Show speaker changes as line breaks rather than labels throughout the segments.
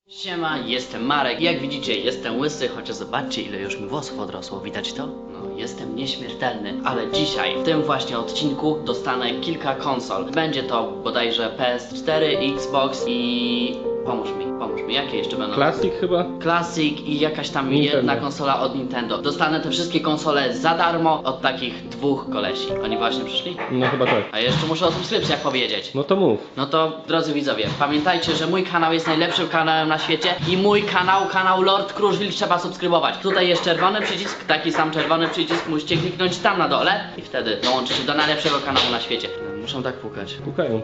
Siema, jestem Marek. Jak widzicie, jestem łysy, chociaż zobaczcie, ile już mi włosów odrosło. Widać to? No, jestem nieśmiertelny. Ale dzisiaj, w tym właśnie odcinku, dostanę kilka konsol. Będzie to bodajże PS4, Xbox i... Pomóż mi. Jakie jeszcze będą?
Classic chyba?
Classic i jakaś tam
Nintendo.
jedna konsola od Nintendo. Dostanę te wszystkie konsole za darmo od takich dwóch kolesi. Oni właśnie przyszli?
No chyba tak.
A jeszcze muszę o subskrypcjach powiedzieć.
No to mów.
No to, drodzy widzowie, pamiętajcie, że mój kanał jest najlepszym kanałem na świecie i mój kanał Lord Kruszwil trzeba subskrybować. Tutaj jest czerwony przycisk, taki sam czerwony przycisk, musicie kliknąć tam na dole i wtedy dołączycie do najlepszego kanału na świecie. Muszą tak pukać.
Pukają.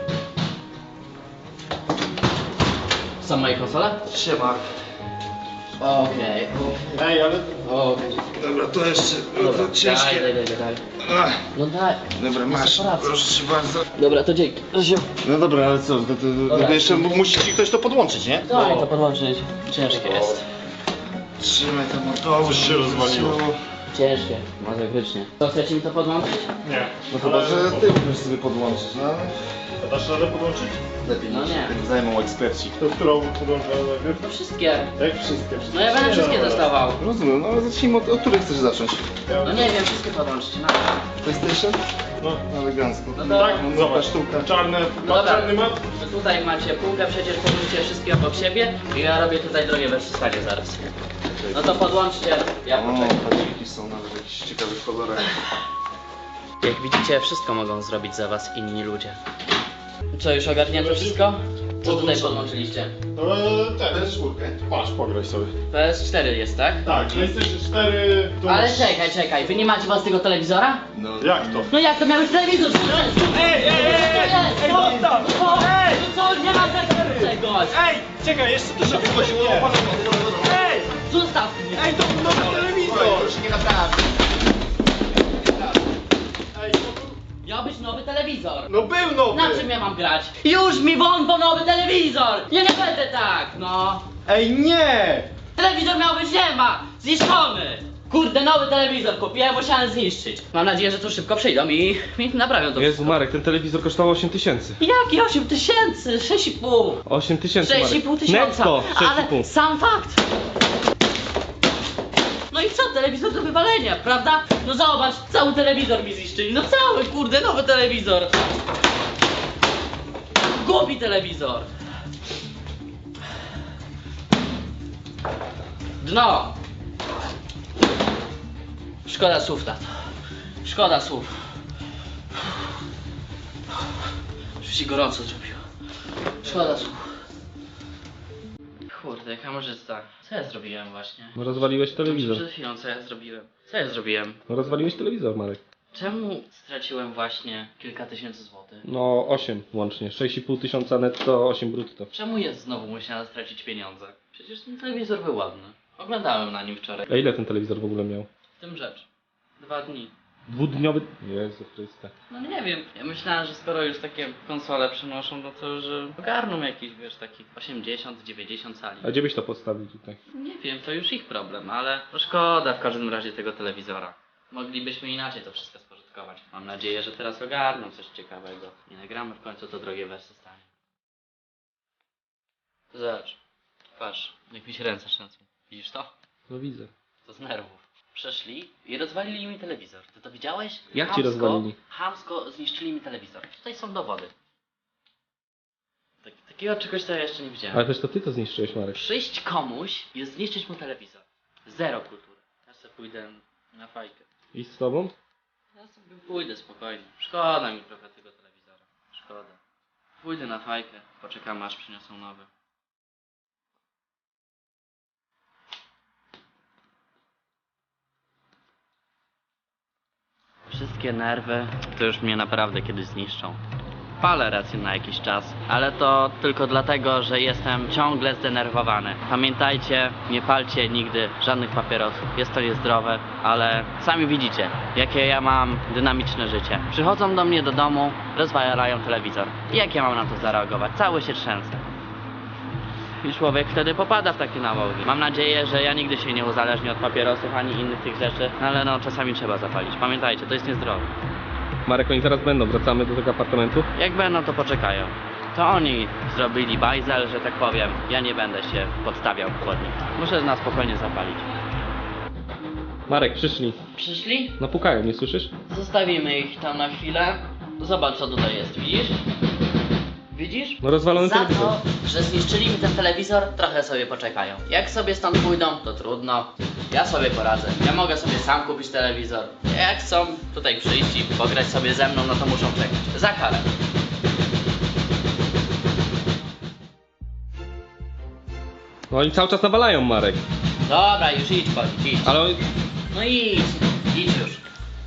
Są moje konsole?
Siema.
Okej.
Ej, ale... Dobra, to jeszcze...
Dobra,
to ciężkie.
daj.
Ach,
No daj.
dobra, masz.
Separację.
Proszę cię bardzo.
Dobra, to dzięki.
No dobra, ale co? To jeszcze musi ci ktoś to podłączyć, nie?
Daj to podłączyć. Ciężkie jest.
Trzymaj to motor.
się rozwaliło.
Ciężkie, masakrycznie. To chcecie mi to podłączyć?
Nie.
No chyba, że ty musisz sobie podłączyć, no.
A dasz radę podłączyć?
Lepiej
No
niż
nie.
się tym zajmą eksperci.
To którą podłączamy najpierw?
No wszystkie.
Jak wszystkie?
No ja będę wszystkie testował.
Rozumiem, no ale zacznijmy od której chcesz zacząć?
No nie wiem, wszystkie podłączyć. No.
PlayStation?
No.
Elegancko.
No to-
Tak,
No,
zobacz.
sztuka.
Czarny,
No dobra.
czarny mat?
To tutaj macie półkę, przecież położycie wszystkie obok siebie i ja robię tutaj drogie wersystanie zaraz. No to podłączcie, ja
O,
poczekam.
padziki są nawet w jakichś ciekawych kolorach.
Jak widzicie, wszystko mogą zrobić za was inni ludzie. Co, już ogarnięto wszystko? Co tutaj podłączyliście?
Ten.
PS4.
Patrz, pograj sobie.
PS4 jest, tak?
Tak, PlayStation 4... To
Ale
masz-
czekaj, wy nie macie własnego telewizora?
No.
Jak to?
No jak to miał być telewizor? Ej, zostaw! No co, nie ma czegoś!
Ej, czekaj, jeszcze to żeby chodziło. Ej,
Zostaw mnie!
ej, to nowy telewizor.
Proszę nie naprawdę.
Miał być nowy telewizor!
No był nowy.
Na czym ja mam grać? Już mi won po nowy telewizor! Ja nie będę tak, no!
Ej, nie.
Telewizor miał być nie ma! Zniszczony! Kurde, nowy telewizor kupiłem, musiałem zniszczyć. Mam nadzieję, że tu szybko przyjdą i naprawią to
Jezu
wszystko.
Marek, ten telewizor kosztował 8 tysięcy.
Jaki 8 tysięcy? 6,5!
8 tysięcy Marek.
6,5 tysiąca!
Netto, 6,5.
Ale sam fakt! No i co, telewizor do wywalenia, prawda? No zobacz, cały telewizor mi zniszczyli, no cały, kurde, nowy telewizor! Głupi telewizor! Dno! Szkoda słów, tato. Szkoda słów. Już się gorąco zrobiło. Szkoda słów. Kurde, jaka kamerzysta. Co ja zrobiłem właśnie?
No rozwaliłeś telewizor.
Przed chwilą, co ja zrobiłem? Co ja zrobiłem?
No rozwaliłeś telewizor Marek.
Czemu straciłem właśnie kilka tysięcy złotych?
No 8 łącznie. 6,5 tysiąca netto, 8 brutto.
Czemu ja znowu musiałem stracić pieniądze? Przecież ten telewizor był ładny. Oglądałem na nim wczoraj.
A ile ten telewizor w ogóle miał?
W tym rzecz. 2 dni.
Dwudniowy... Jezu Chryste.
No nie wiem. Ja myślałem, że skoro już takie konsole przynoszą, no to że ogarną jakiś, wiesz, taki 80-90 cali.
A gdzie byś to postawił tutaj?
Nie wiem, to już ich problem, ale to szkoda w każdym razie tego telewizora. Moglibyśmy inaczej to wszystko spożytkować. Mam nadzieję, że teraz ogarną coś ciekawego. Nie nagramy w końcu to drogie wersy stanie. Zobacz. Patrz, jak mi się ręce trzęsą. Widzisz to?
No widzę.
To z nerwów. Przeszli i rozwalili mi telewizor. Ty to widziałeś?
Jak ci rozwalili?
Chamsko zniszczyli mi telewizor. Tutaj są dowody. Takiego czegoś to ja jeszcze nie widziałem.
Ale też to ty to zniszczyłeś Marek.
Przyjść komuś i zniszczyć mu telewizor. Zero kultury. Ja sobie pójdę na fajkę.
I z tobą?
Ja sobie pójdę spokojnie. Szkoda mi trochę tego telewizora. Szkoda. Pójdę na fajkę. Poczekam aż przyniosą nowy. Wszystkie nerwy to już mnie naprawdę kiedyś zniszczą. Palę rację na jakiś czas, ale to tylko dlatego, że jestem ciągle zdenerwowany. Pamiętajcie, nie palcie nigdy żadnych papierosów. Jest to niezdrowe, ale sami widzicie, jakie ja mam dynamiczne życie. Przychodzą do mnie do domu, rozwalają telewizor. I jak ja mam na to zareagować? Cały się trzęsę. I człowiek wtedy popada w takie nałogi. Mam nadzieję, że ja nigdy się nie uzależnię od papierosów ani innych tych rzeczy, ale no czasami trzeba zapalić. Pamiętajcie, to jest niezdrowe.
Marek, oni zaraz będą. Wracamy do tego apartamentu.
Jak będą, to poczekają. To oni zrobili bajzel, że tak powiem. Ja nie będę się podstawiał pod nich. Muszę na spokojnie zapalić.
Marek, przyszli.
Przyszli?
No pukają, nie słyszysz?
Zostawimy ich tam na chwilę. Zobacz co tutaj jest, widzisz? Widzisz?
No rozwalony
Za
telewizor.
to, że zniszczyli mi ten telewizor, trochę sobie poczekają. Jak sobie stąd pójdą, to trudno. Ja sobie poradzę. Ja mogę sobie sam kupić telewizor. Jak chcą tutaj przyjść i pograć sobie ze mną, no to muszą czekać. Za karę.
No i cały czas nawalają, Marek.
Dobra, już idź, chodź, idź.
Ale
No idź już.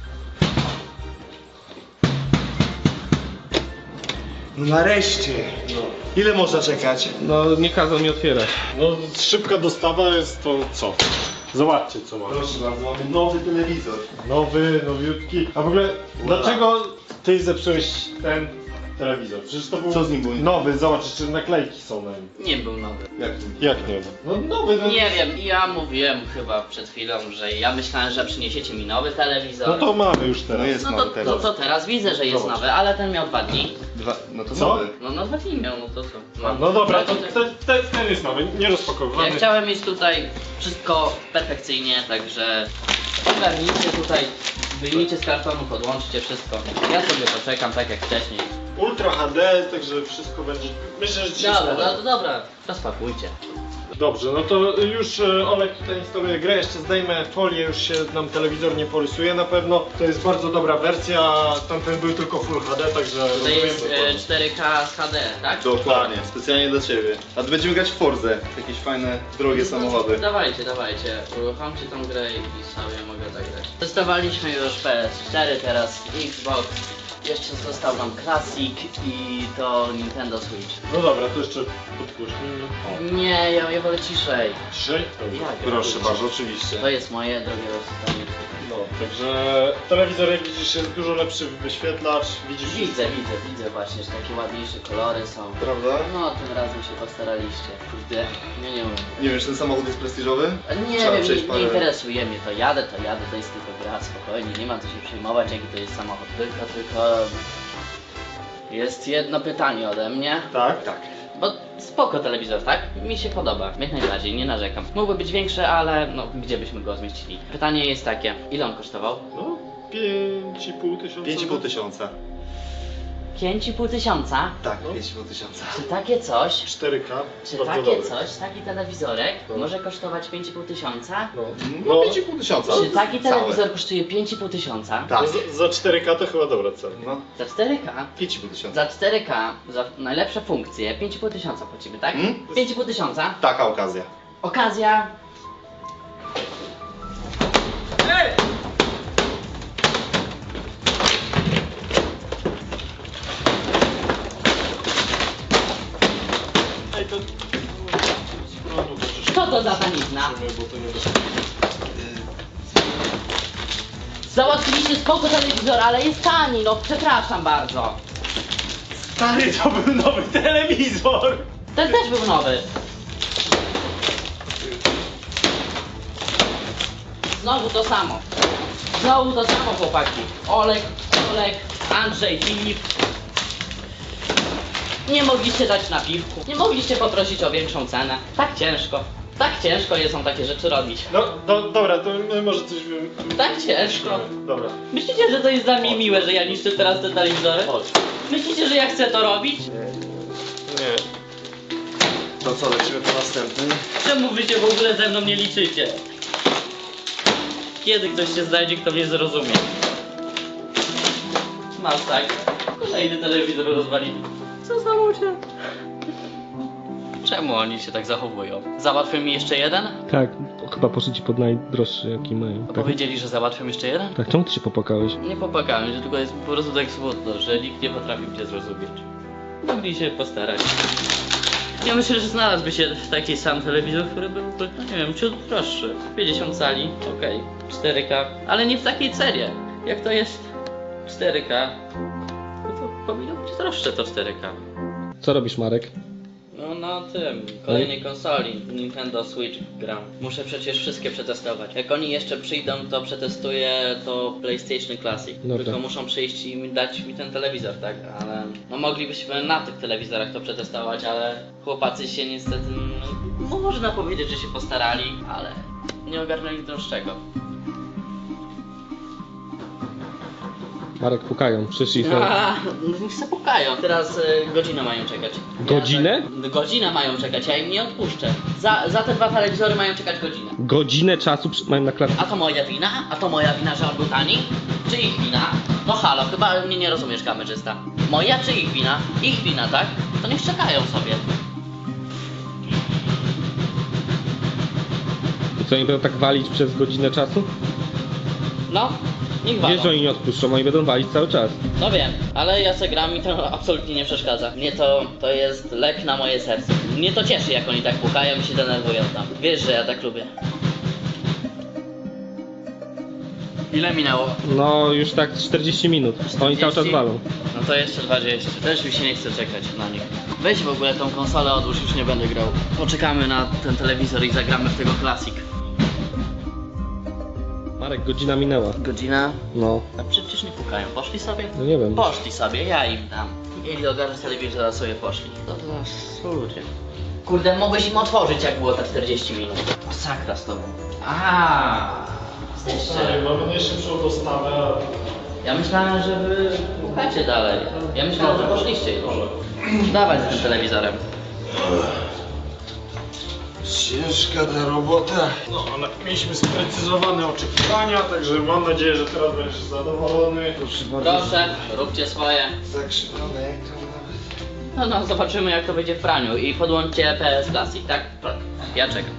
No nareszcie. Ile można czekać?
no nie kazał mi otwierać.
No szybka dostawa jest to co? Zobaczcie co mamy.
Proszę bardzo, mamy nowy telewizor.
Nowy, nowiutki. A w ogóle dlaczego ty zepsułeś ten telewizor? Przecież to był
Co z nim było?
nowy, zobacz, jeszcze naklejki są na nim.
Nie był nowy.
Jak nie? No nowy, no.
Nie wiem, ja mówiłem chyba przed chwilą, że ja myślałem, że przyniesiecie mi nowy telewizor.
No to mamy już
No
teraz.
jest
No
nowy
to
teraz.
teraz widzę, że jest
Zobacz.
nowy, ale ten miał 2 dni.
No to
Co?
nowy.
No 2 dni miał, no to co?
No dobra, to
tak-
ten jest nowy, nie rozpakowywany.
Ja chciałem mieć tutaj wszystko perfekcyjnie, także ogarnijcie tutaj, wyjmijcie z kartonu, podłączcie wszystko. Ja sobie poczekam tak jak wcześniej.
Ultra HD, także wszystko będzie. Myślę, że ci się
Dobra,
spodoba.
dobra, rozpakujcie.
Dobrze, no to już Olek tutaj instaluje grę, jeszcze zdejmę folię, już się nam telewizor nie porysuje na pewno. To jest bardzo dobra wersja, tamten był tylko Full HD, także
To
rozumiem
jest
dokładnie.
4K z HD, tak?
Dokładnie, specjalnie dla ciebie. A tu będziemy grać w Forze, jakieś fajne, drogie samochody.
Dawajcie, uruchomcie tą grę i sobie mogę zagrać. Testowaliśmy już PS4, teraz Xbox. Jeszcze został nam Classic i to Nintendo Switch.
No dobra, to jeszcze podgłośnimy.
Nie, ja wolę ciszej.
Dzisiaj?
Jak?
Proszę bardzo, oczywiście.
To jest moje drogie rozstanie.
No, także telewizor jak widzisz jest dużo lepszy wyświetlacz, widzisz
Widzę właśnie, że takie ładniejsze kolory są.
Prawda?
No, tym razem się postaraliście. Kurde, nie umiem.
Nie wiem, czy ten samochód jest prestiżowy?
A nie
Trzeba
wiem,
przejść
nie
parę-
interesuje mnie to. Jadę, to jest tylko gra, spokojnie, nie ma co się przejmować, jaki to jest samochód. Tylko... Jest jedno pytanie ode mnie.
Tak?
Tak.
Bo spoko telewizor, tak? Mi się podoba, jak najbardziej, nie narzekam. Mógłby być większy, ale no, gdzie byśmy go zmieścili? Pytanie jest takie, ile on kosztował?
No, 5,5 tysiąca.
5,5 tysiąca.
5,5 tysiąca?
Tak,
No.
5,5 tysiąca.
Czy takie coś,
4K.
czy
bardzo
takie
dobry.
coś, taki telewizorek
No.
może kosztować 5,5 tysiąca?
No,
No,
no
5,5 tysiąca.
Czy taki
Całe.
telewizor kosztuje 5,5 tysiąca?
Tak.
no za 4K to chyba dobra cena.
No,
Za 4K?
5,5 tysiąca.
Za 4K, za najlepsze funkcje, 5,5 tysiąca płacimy, tak?
Hmm?
5,5 tysiąca.
Taka okazja.
Okazja.
Ej, to...
Co to za tanizna?
Bo to nie
Załatwiliście spoko telewizor, ale jest tani, no przepraszam bardzo.
Stary, to był nowy telewizor!
Ten też był nowy. Znowu to samo. Znowu to samo, chłopaki. Olek, Andrzej, Filip. Nie mogliście dać na piwku. Nie mogliście poprosić o większą cenę. Tak ciężko. Tak ciężko jest takie rzeczy robić.
No, dobra, to my może coś...
Tak ciężko.
Dobra.
Myślicie, że to jest dla mnie miłe, że ja niszczę teraz te telewizory?
Chodź.
Myślicie, że ja chcę to robić?
Nie.
To co, lecimy po następny?
Czemu wy się w ogóle ze mną nie liczycie? Kiedy ktoś się znajdzie, kto mnie zrozumie? Masz tak. Kolejny telewizor rozwalili. Co za ludzie? Czemu oni się tak zachowują? Załatwią mi jeszcze jeden?
Tak, chyba poszli ci pod najdroższy jaki mają. Tak?
Powiedzieli, że załatwią jeszcze jeden?
Tak, czemu ty się popłakałeś?
Nie popłakałem się, tylko jest po prostu tak smutno, że nikt nie potrafi mnie zrozumieć. Mogli się postarać. Ja myślę, że znalazłby się taki sam telewizor, który byłby, no nie wiem, ciut droższy. 50 cali, okej, 4K, ale nie w takiej cenie. Jak to jest 4K, no to powinno być droższe to 4K.
Co robisz, Marek?
No na tym, kolejnej konsoli, Nintendo Switch gram. Muszę przecież wszystkie przetestować. Jak oni jeszcze przyjdą, to przetestuję to PlayStation Classic.
Dobra.
Tylko muszą przyjść i dać mi ten telewizor, tak? Ale no moglibyśmy na tych telewizorach to przetestować, ale chłopacy się niestety, no, można powiedzieć, że się postarali, ale nie ogarnęli droższego.
Marek, pukają, przyszli.
No niech se pukają. Teraz godzinę mają czekać.
Godzinę?
Godzinę mają czekać, ja im nie odpuszczę. Za te 2 telewizory mają czekać godzinę.
Godzinę czasu mają na klatce.
A to moja wina? A to moja wina, że on był tani? Czy ich wina? No halo, chyba mnie nie rozumiesz, kamerzysta. Moja czy ich wina? Ich wina, tak? To niech czekają sobie.
I co, oni będą tak walić przez godzinę czasu?
No, niech walą.
Wiesz, że oni nie odpuszczą, oni będą walić cały czas.
No wiem, ale ja se gram i to absolutnie nie przeszkadza. Mnie to jest lek na moje serce. Mnie to cieszy, jak oni tak pukają i się denerwują tam. Wiesz, że ja tak lubię. Ile minęło?
No, już tak 40 minut. Oni cały czas
40?
walą.
No to jeszcze 20. Też mi się nie chce czekać na nich. Weź w ogóle tą konsolę, odłóż, już nie będę grał. Poczekamy na ten telewizor i zagramy w tego Classic.
Marek, godzina minęła.
Godzina?
No,
A przecież nie pukają. Poszli sobie?
no nie wiem.
Poszli sobie, ja im dam. Mieli ogarnąć telewizor, a sobie poszli. To ludzie. Kurde, mogłeś im otworzyć, jak było te 40 minut. Masakra z tobą. Jeszcze.
Mamy najszybszą dostawę.
Ja myślałem, że wy pukacie dalej. Ja myślałem, że poszliście już. Dawaj z tym telewizorem.
Ciężka ta robota. No, ale mieliśmy sprecyzowane oczekiwania, także mam nadzieję, że teraz będziesz zadowolony. Proszę
Proszę, róbcie swoje.
Zakrzywione jak to nawet.
No, zobaczymy, jak to będzie w praniu. I podłączcie PS Classic, tak? Ja czekam.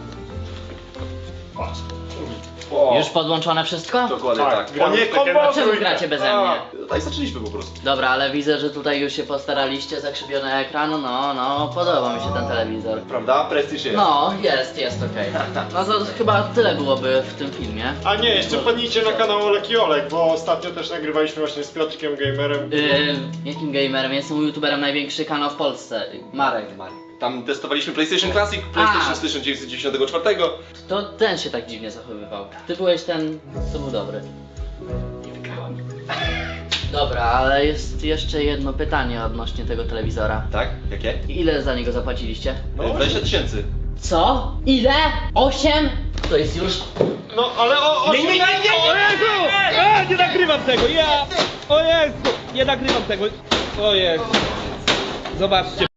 Już podłączone wszystko?
Dokładnie tak.
O nie,
A czemu gracie beze mnie?
Tak zaczęliśmy po prostu.
Dobra, ale widzę, że tutaj już się postaraliście, zakrzywiony ekran, no, podoba mi się ten telewizor.
Prawda? Prestiż jest.
No, jest okej. No to chyba tyle byłoby w tym filmie.
A nie, jeszcze wpadnijcie na kanał Olek i Olek, bo ostatnio też nagrywaliśmy właśnie z Piotrkiem Gamerem.
Jakim gamerem? Jestem youtuberem, największy kanał w Polsce. Marek.
Tam testowaliśmy PlayStation Classic, PlayStation z 1994.
To ten się tak dziwnie zachowywał. Ty byłeś ten, co był dobry.
Nie wygrałem.
Dobra, ale jest jeszcze jedno pytanie odnośnie tego telewizora.
Tak? Jakie?
Ile za niego zapłaciliście?
20 000.
Co? Ile? 8? To jest już...
No, ale o
Nie, nie nagrywam tego, ja! O Jezu! Nie nagrywam tego, o Jezu! Zobaczcie.